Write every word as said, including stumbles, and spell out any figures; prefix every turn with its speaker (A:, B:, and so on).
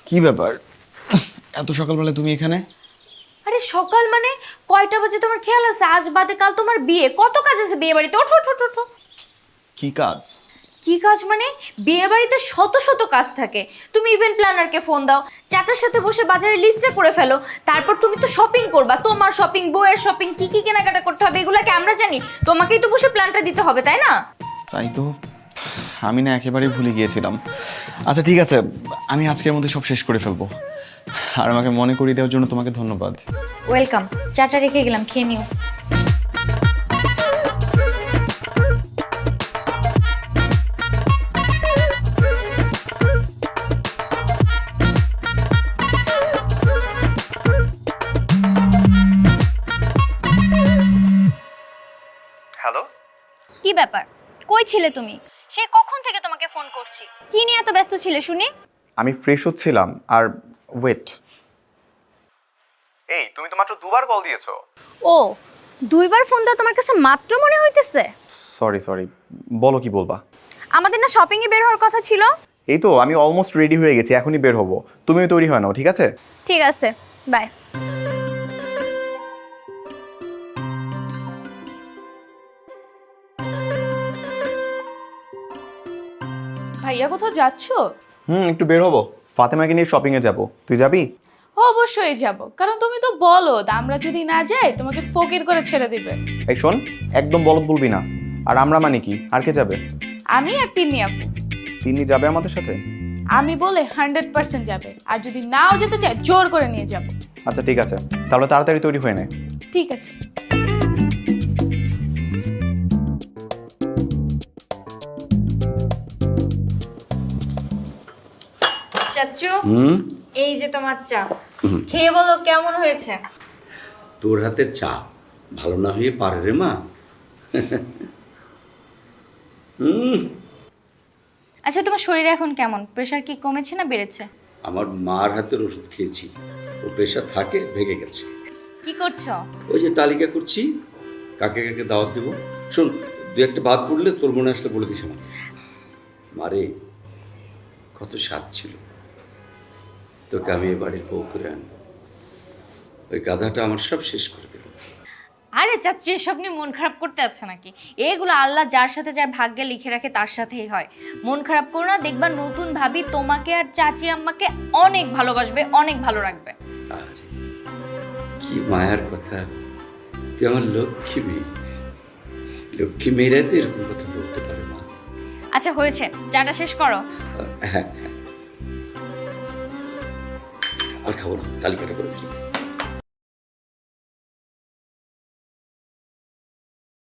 A: কি ব্যাপার, এত সকালবেলা তুমি এখানে?
B: আরে সকাল মানে কয়টা বাজে তোমার খেয়াল আছে? আজ বাদে কাল তোমার বিয়ে, কত কাজ আছে বিয়ে বাড়িতে। ওঠো ওঠো ওঠো ওঠো।
A: কি কাজ?
B: কি কাজ মানে? বিয়ে বাড়িতে শত শত কাজ থাকে। তুমি ইভেন্ট প্ল্যানারকে ফোন দাও, চাচার সাথে বসে বাজারের লিস্টটা করে ফেলো। তারপর তুমি তো শপিং করবা, তোমার শপিং, বউয়ের শপিং, কি কি কেনাকাটা করতে হবে এগুলোকে আমরা জানি। তোমাকেই তো বসে প্ল্যানটা দিতে হবে, তাই না?
A: তাই তো, আমি না একেবারেই ভুলে গিয়েছিলাম। আচ্ছা ঠিক আছে, আমি আজকের মধ্যে সব শেষ করে ফেলবো। আর আমাকে মনে করিয়ে দেওয়ার জন্য তোমাকে ধন্যবাদ।
B: ওয়েলকাম। চাটা রেখে গেলাম, খেয়ে নিও।
A: হ্যালো,
B: কি ব্যাপার, কই ছিলে তুমি? সে কখন থেকে তোমাকে ফোন করছি, কি নিয়ে এত ব্যস্ত ছিলে শুনি?
A: আমি ফ্রেশ হচ্ছিলাম। আর ওয়েট, এই তুমি তো মাত্র দুবার কল দিয়েছো।
B: ও, দুইবার ফোন দাও তোমার কাছে মাত্র মনে হইতেছে?
A: সরি সরি, বলো কি বলবা?
B: আমাদের না শপিং এ বের হওয়ার কথা ছিল।
A: এই তো আমি অলমোস্ট রেডি হয়ে গেছি, এখনই বের হবো। তুমিও তৈরি হয় নাও, ঠিক আছে?
B: ঠিক আছে, বাই।
C: ভাইয়া কোথাও যাচ্ছো?
A: হুম, একটু বের হবো, ফাতেমাকে নিয়ে শপিং এ যাবো। তুই যাবি?
C: অবশ্যই যাব, কারণ তুমি তো বলো আমরা যদি না যাই তোমাকে ফকির করে ছেড়ে দিবে।
A: এই শোন, একদম বলদ বলবি না। আর আমরা মানে কি, আর কে যাবে?
C: আমি আর তিন্নি আপু।
A: তিনি যাবে আমাদের সাথে?
C: আমি বলে হান্ড্রেড পার্সেন্ট যাবে, আর যদি নাও যেতে চাই জোর করে নিয়ে যাব।
A: আচ্ছা ঠিক আছে, তাহলে তাড়াতাড়ি তৈরি হয়ে নে।
C: ঠিক আছে।
B: চাচু,
D: হুম
B: এই যে তোমার চা, খেয়ে বলো কেমন হয়েছে।
D: তোর হাতের চা ভালো না হয়ে পারে রে মা। হুম
B: আচ্ছা তোমার শরীরে এখন কেমন? প্রেশার কি কমেছে না বেড়েছে?
D: আমার মার হাতের ওষুধ খেয়েছি, ও প্রেশার থাকে, ভেঙে গেছে।
B: কি করছো?
D: ওই যে তালিকা করছি, কাকে কাকে দাওয়াত দেবো। শোন, দু একটা বাদ পড়লে তোর মনে আসলে বলে দিস আমাকে। মারে, কত স্বাদ ছিল তোকে আমি এ বাড়ির বউ করে আনবো, ওই গাধাটা আমার সব শেষ করে দিল।
B: আরে চাচু, এসব নিয়ে মন খারাপ করতে আছে নাকি? এগুলো আল্লাহ যার সাথে যার ভাগ্যে লিখে রাখে তার সাথেই হয়। মন খারাপ করো না, দেখবা নতুন ভাবি তোমাকে আর চাচি আম্মাকে অনেক ভালোবাসবে, অনেক ভালো রাখবে।
D: আরে কি মায়ার কথা, তুই আমার লক্ষ্মী মেয়ে। লক্ষ্মী মেয়েরাই তো এরকম কথা বলতে পারে মা।
B: আচ্ছা হয়েছে, চাটা শেষ করো।
D: হ্যাঁ হ্যাঁ, আর খাবো না, তালিকাটা করে ফেলি।